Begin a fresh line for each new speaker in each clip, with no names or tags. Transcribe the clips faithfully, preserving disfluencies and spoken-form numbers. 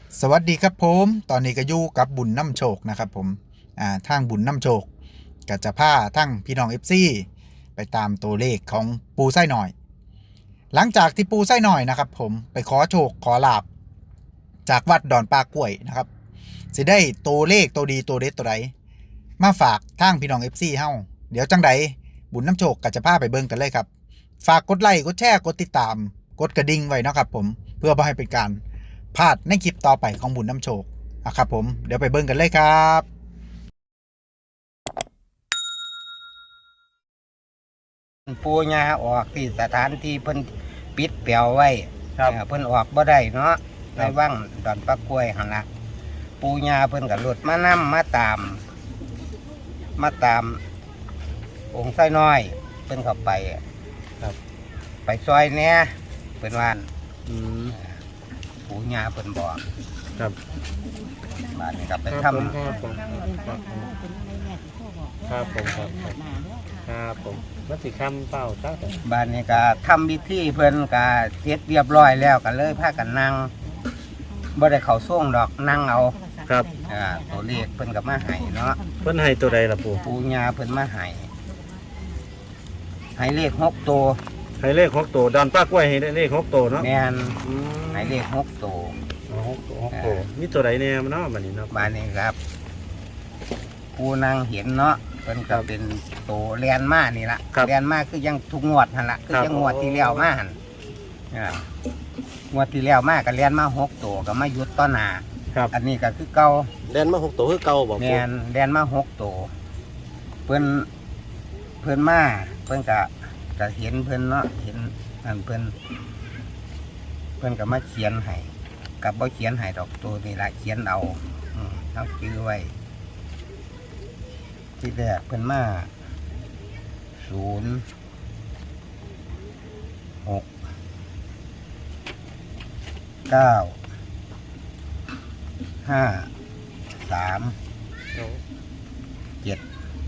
สวัสดีครับผมตอนนี้ก็อยู่กับบุญน้ำโชคนะครับผมอ่าทางบุญน้ำโชคก็จะพาทั้งพี่น้อง เอฟ ซี ไปตามตัวเลขของปูไส้หน่อย หลังจากที่ปูไส้หน่อยนะครับผมไปขอโชคขอลาบจากวัดดอนปากกล้วยนะครับสิได้ตัวเลขตัวดีตัวเด็ดตัวใดมาฝากทางพี่น้อง เอฟ ซี เฮาเดี๋ยวจังใดบุญน้ำโชคก็จะพาไปเบิ่งกันเลยครับฝากกดไลค์กดแชร์กดติดตามกดกระดิ่งไว้นะครับผมเพื่อบ่ให้เป็นการพลาดในคลิปต่อไปของบุญน้ำโชคอะครับผมเดี๋ยวไปเบิ่งกันเลยครับ
ปูญาออกที่สถานที่เพิ่นปิดเปี่ยวไว้เพิ่นออกบ่ได้เนาะในวังดอนปะกล้วยหั่นล่ะปูญาเพิ่นก็หลุดมานำมาตาม มาตาม องค์ไส้น้อยเพิ่นเข้าไปครับไปซอยแหน่เพิ่นว่าอืมปูญาเพิ่นบอกครับบ้านนี้ก็ไปทำ
ครับผมครับผมครับครับผมมัติคำเป้าตั้งแต่
บ้านนี้ก็ทำพิธีเพิ่นก็เสร็จเรียบร้อยแล้วก็เลยพากันนั่งบ่ได้เข้าส่งดอกนั่งเอา
ครับ
อ่าตัวเลขเพิ่นก็มาให้เนาะ
เพิ่นให้ตัวใดล่ะปู่
ปู่ย่าเพิ่นมาให้ให้เลขหกตัว
ให้เลขหกตัวดอนป้ากล้วยให้เลขหกตัวเนาะ
แม่นให้เลขหกตัว
หกหกตัวมีตัวใดแน่เนาะบัดนี้เนาะ
บ้านนี้ครับผู้นางเห็นเนาะเพิ่นก็เป็นตัวแลนมานี่ล่ะแลนมาคือยังทุกงวดหั่นล่ะคือยังงวดที่แล้วมาหั่นอ่างวดที่แล้วมาก็แลนมาหกตัวก็มาหยุดต่อหน้าอันนี้ก็คือเก่า
แลนมาหกตัวคือเก่าบ่
แม่นแลนมาหกตัวเพิ่นเพิ่นมาเพิ่นก็ก็เห็นเพิ่นเนาะเห็นอันเพิ่นเพิ่นก็มาเขียนให้กับบ่เขียนให้ดอกตัวนี่ล่ะเขียนเอาอืมเอาชื่อไว้ที่แรกเพิ่นมาศูนย์หกเก้าห้าสามเจ็ด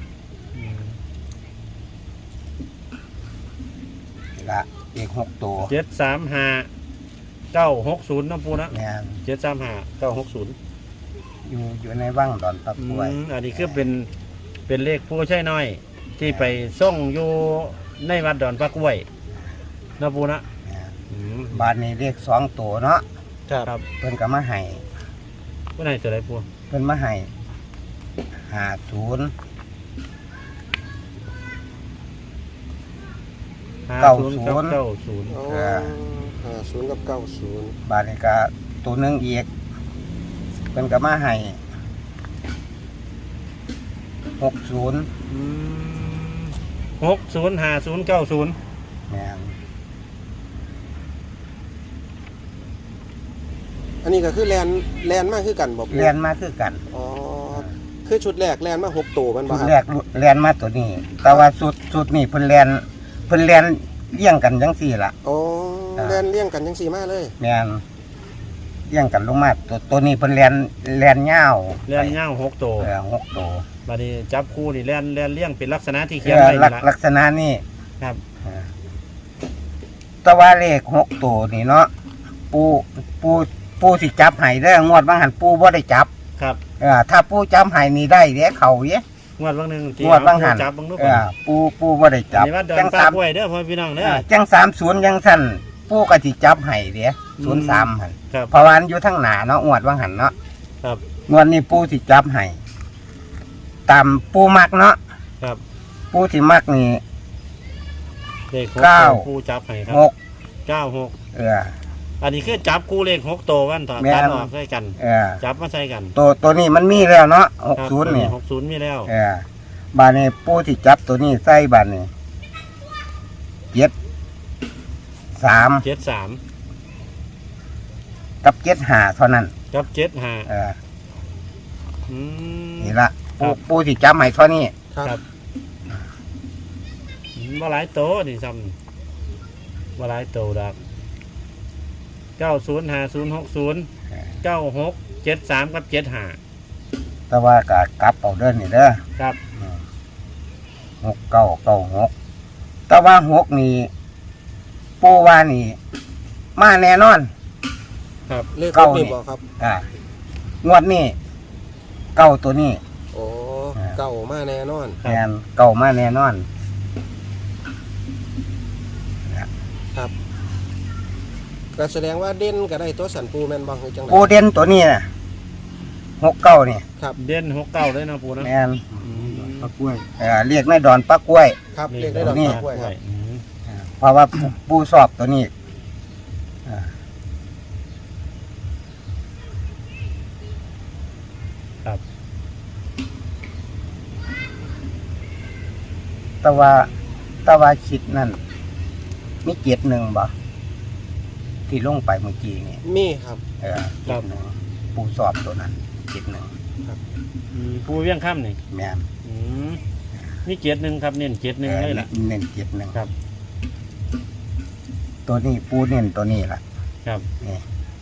ละอีกหกตัว
เจ็ดสามห้าเก้าหกศูนย์น้ำปูนะ
เนี่ย
เจ็ดสามห้าเก้าหกศูนย์
อยู่อยู่ในว่างดอนตะกล้วย
อันนี้คือเป็นเป็นเลขผู้ใช่น้อยที่ไปส่งอยู่ในวัดดอนปะกล้วยนะปูนะ
บ้านนี้เลขสองตัวเนาะ
ครับ
เพิ่นก็มาให้
เพิ่นให้ตัวใดปู
เพิ่นมาให้ห้าศูนย์เก้าศูนย์
เก้าศูนย์
ห้าศูนย์กับเก้าศูนย์
บ้านนี้ก็ตัวหนึ่งอีกเพิ่นก็มาให้หกศูนย์
หกศูนย์ห้าศูนย์เก้าศูนย์
แม่น
อันนี้ก็คือแลนแลนมากคือกันบอก
แลนมาคือกัน
อ๋อคือชุดแรกแลนมาหกตัวมันบ่
ครับชุดแรกแลนมาตัวนี้แต่ว่าชุดชุดนี้เพิ่นแลนเพิ่นแลนเลี้ยงกันจังสี่ล่ะ
อ๋อแลนเลี้ยงกันจังสี่มาเลย
แม่นเลี้ยงกันลงมาตัวตัวนี้เพิ่นแลนแลนยาว
แลนยาวหกตัว
เออหกตัว
บัดนี้จับคู่นี่แลนแลนเลี้ยงเป็นลักษณะที่เขียนไว้นี่
ล่ะลักษณะนี้
ครับ
ตะวันเลขหกตัวนี่เนาะปูปูปูสิจับไห้ได้งวดบางหันปูบ่ได้จับ
ครับ
เออถ้าปูจับไห้นี่ได้เด้เขาเด้
งวดบางนึง
งวดบางหันเออปูปูบ่ได้จับ
จังสามไว้เด้อพ่อพี่น้องเด้อ
จังสามศูนย์ยังสั่นปูก็สิจับไห้เด้ศูนย์สามหันเพราะว่าอยู่ทางหน้าเนาะงวดบางหันเนาะ
ครับ
งวดนี้ปูสิจับไห้ตามปูมักเนาะ
ครับ
ปูที่มักนี่
เลขเก้าปูจับไห้ครับหกเก้าหก
เออ
อันนี้คือจับคู่เลขหกตัวกันต่อตัดออกใส่กันจับมาใส่กัน
ตัวตัวนี้มันมีแล้วเนาะหกศูนย์นี่
หกศูนย์มีแล้ว
เออบานนี้ปูที่จับตัวนี้ใส่บานนี้เจ็ดสาม
เจ็ดสาม
กับเจ็ดห้าเท่านั้น
กับเจ็ดห้า
เออนี่ละปูปูที่จับให้เท่านี้
ครับมาหลายโตนี่ซ้ำมาหลายโตดักเก้าศูนย์ห้าศูนย์หกศูนย์เก้าหกเจ็ดสามกับเจ็ดห้า
แต่ว่ากะกลับเอาเดินนี่เด้อ
ครับ
หกเก้าเก้าหกแต่ว่าหกนี่ปูว่านี่มาแน่นอน
ครับ
เลข
เก้า
รถนี่
นี่
บ่ครับ
อ่างวดนี้เก้าตัวนี้
โอ้เก่ามาแน่นอน
ครับ
แมนเก้ามาแน่นอน
ครับก็แสดงว่าเด่นก็ได้ตัวสันปูแม่นบ่คือจังได๋
ปูเด่นตัวนี้น่ะหกเก้านี่
ครับ
เด่นหกเก้าเลยนะปูนะ
แมน
อืม
ตะกล้วย
เอ่อเรียกในดอนปักกล้วย
ครับเลขได้ดอก
นี่
กล้วยครับ
อืม
เพราะว่าปูปูสอบตัวนี้อ่า
ครับ
แตะว่าแตะว่าคิดนั่นมีเกียรติหนึ่งบ่ที่ลงไปเมื่อกี้นี่
มีครับ
เออเกียรติหนึ่งปูสอบตัวนั้นเกียรติหนึ่ง
อืมปูเวียงค่ำนี่
แมน
อืมนี่เจ็ดหนึ่งครับเน้นเจ็ดหนึ่งเลยล่ะ
เออเน้นเกียรติหนึ่ง
ครับ
ตัวนี้ปูเน้นตัวนี้ล่ะ
ครับ
นี่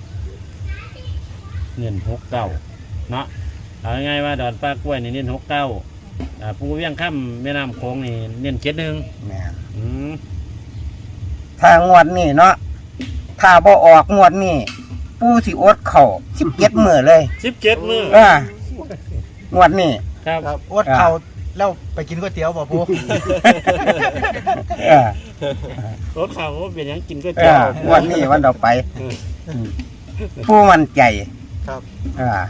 เน้นหกเก้าเนาะเอาง่ายๆว่าดอนปลากล้วยนี่เน้นหกเก้าอ่าปูเวียงค่ำแม่น้ำโขงนี่เน้นเจ็ดหนึ่ง
แมน
อืม
ถ้างวดนี้เนาะถ้าบ่ออกงวดนี้ปูสิอดเข่าสิบเจ็ดมือเลย
สิบเจ็ดมือ
อ่างวดนี้
ครับ
ครับ
อดเขาแล้วไปกินก๋วยเตี๋ยวบ่ปู
เออ
รถเขาเป็นหยังกินก๋วย
เอ
เตี๋ยว
องวดนี้วันต่อไปปูมั่นใจ
ครับ
อ่า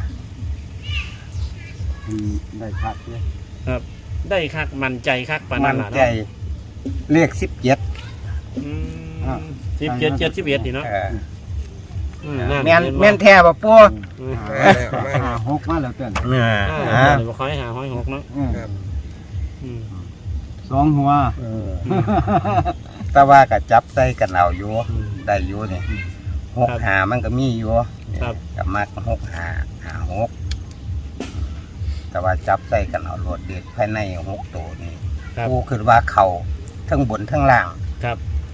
อืมได้พักเนี่ย
ครับได้คักมั่นใจคักปาน
มั่
นั้น
น
ล่ะ
ใจ
เนาะ
เลขสิบเจ็ด
อืมสิบเจ็ดเจ็ดสิบเอ็ดนี่เนาะ
เออ
อืมนั่น
แม่น
เห็บ่
แม่นแท้ป่ะปู
อืม
มาแล้วมา
หาหกมาแล้วเต้น
เนี่ย
อ่า
อ่า
เดี๋ยวบ่ขอให้หาห้อยหกเนาะ
อืม
ครับ
อืม
สองหัว
เออแต่ว่าก็จับใส่กันเอาอยู่
อืม
ได้อยู่นี่หก
ครับ
หามันก็มีอยู่
ครับ
กับมักหกหาหาหกแต่ว่าจับใส่กันเอาโหลดเด็ดภายในหกตัวนี่
ครับ
ปูคือว่าเขาทั้งบนทั้งล่าง
ครับ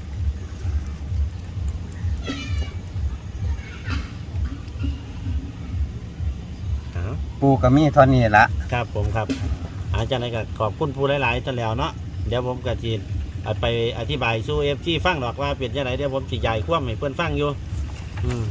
เอา
ปูก็มีเท่านี้ละ
ครับผมครับอาจารย์ก็ขอบคุณผู้หลายๆท่านแล้วเนาะเดี๋ยวผมก็จีไปอธิบายสู้เอฟซีฟังดอกว่าเป็นยังไงเดี๋ยวผมสิใหญ่คว่ำให้เพื่อนฟังอยู่อืม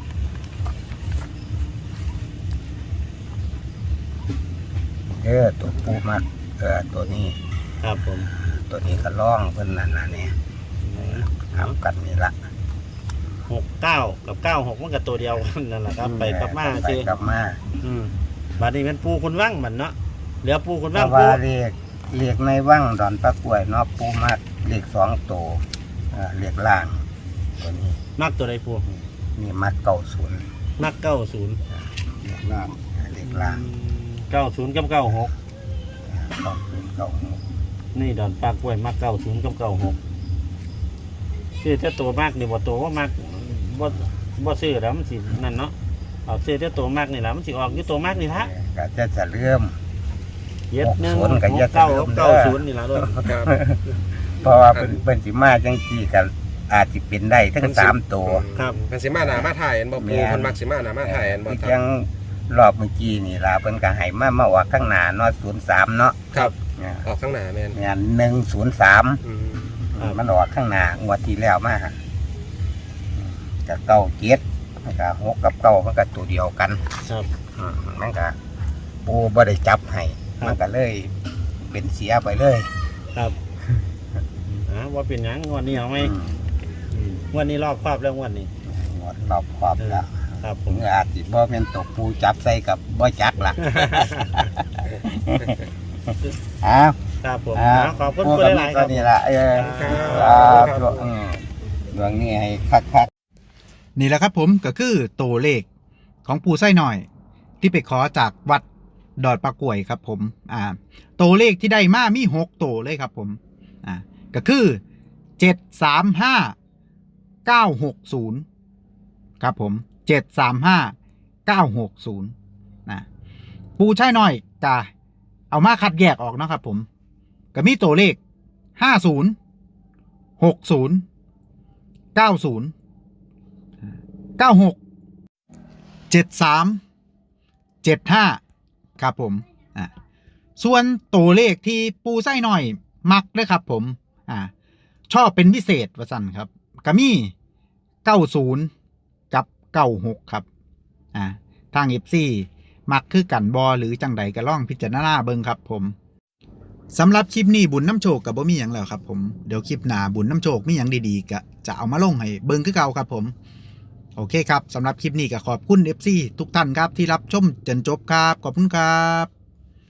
เออตัวปูมักเออตัวนี้
ครับผม
ตัวนี้ก็ล่องเพิ่นนั่นน่ะเนี่ยทำกันนี่ละ
หกเก้ากับเก้าหกมันกับตัวเดียวกันนั่นแหละครับ ไปกลับมา
ไป
สิ
กลับมา
อืมบัดนี้เป็นปูคุณว่างมันเนาะเหลือปูคุณ
เพ
ว่าง
ราะ
ปู
ว่าเรียกเรียกในว่างดอนปลากล้วยเนาะปูมักเรียกสองตัวเออเรียกล่าง ตัวนี้
มักตัวใดปู
นี่มักเก่าศูนย์
มักเก้าศูนย์
เรียกล่างเรียกล่าง
เก้าศูนย์กับเก้าหก
เก่าศูนย์เก่าหก
นี่ดอนปลากล้วยมักเก้าศูนย์กับเก้าหกซื้อแต่ตัวมากนี่บ่ตัวว่ามากบ่บ่ซื้อแล้วมันสินั่นเนาะเอาซื้อแต่ตัวมากนี่แหละมันสิออกอยู่ตัวมากนี่ละ
ก็จะจะเริ่ม
เย็ดหนึ่ง
หกศูนย์กับ
ห
เย็ด
กเก้า
เดิมเด้อ
เก้าศูนย์นี่ละด้วย
ครับ
เพราะว่าเป็นเป็นสิมาจังซี่กันอาจจะเป็นได้ทั้งสามตัว
ครับ
มันสิมาหนามาถ่ายอันบ่ปู
แม่น
เพิ่นมักสิมาหนามาถ่ายอันบ่
ที่
ครั
จั
บ
งรอบเมื่อกี้นี่ล่ะเพิ่นก็ให้มามาออกข้างหน้าเนาะศูนย์สามเนาะ
ครับ
เนี่ย
ออกข้างหน้าแม่น
งานหนึ่งศูนย์สาม
อืม
ครับ
มันออกข้างหน้างวดที่แล้วมากับเก้าเจ็ดมันก็หกกับเก้ามันก็ตัวเดียวกัน
ครับ
อืมมันก็ปูบ่ได้จับให้
ครับ
มันก็เลยเป็นเสียไปเลย
ครับอ่าว่าเป็นหยังงวันนี้เอาไหม
อืม
อืมงวันนี้รอบครอบแล้วงวันนี้
งวดรอบครอบแล้ว
ครับผ
ผม มอาจสิบ่เป็นตกปูจับใส่กับบ่จักล่ะ อ้าว
ครับผม
อ้าว
อ่าขอบคุณ
ปู
คุณ
ก็
ห
มี
ลายๆค
ตั
รั
ว
บ
นี้ล่ะเออ
ครับ
ครับอืมดวงนี้ให้คักๆ
นี่แหละครับผมก็คือตัวเลขของปูไส้หน่อย ที่ไปขอจากวัดดอดปลากล้วยครับผมอ่าตัวเลขที่ได้มามีหกตัวเลยครับผมอ่าก็คือเจ็ดสามห้าเก้าหกศูนย์ครับผมเจ็ดสามห้าเก้าหกศูนย์นะปูไส้หน่อยกาเอามาคัดแยกออกนะครับผมก็มีตัวเลขห้าศูนย์หกศูนย์เก้าศูนย์เก้าหกเจ็ดสามเจ็ดห้าครับผมอ่าส่วนตัวเลขที่ปูไส้หน่อยมักเลยครับผมอ่าชอบเป็นพิเศษว่าสั่นครับก็มีเก้าศูนย์กับเก้าหกครับอ่าทาง เอฟ ซี มักคือกันบอหรือจังใดก็ล่องพิจารณาเบิ่งครับผมสำหรับคลิปนี้บุญน้ำโชคกับบ่มีหยังแล้วครับผมเดี๋ยวคลิปหน้าบุญน้ำโชคมีหยังดีๆก็จะเอามาลงให้เบิ่งคือเก่าครับผมโอเคครับสำหรับคลิปนี้ก็ขอบคุณ เอฟ ซี ทุกท่านครับที่รับชมจนจบครับขอบคุณครับ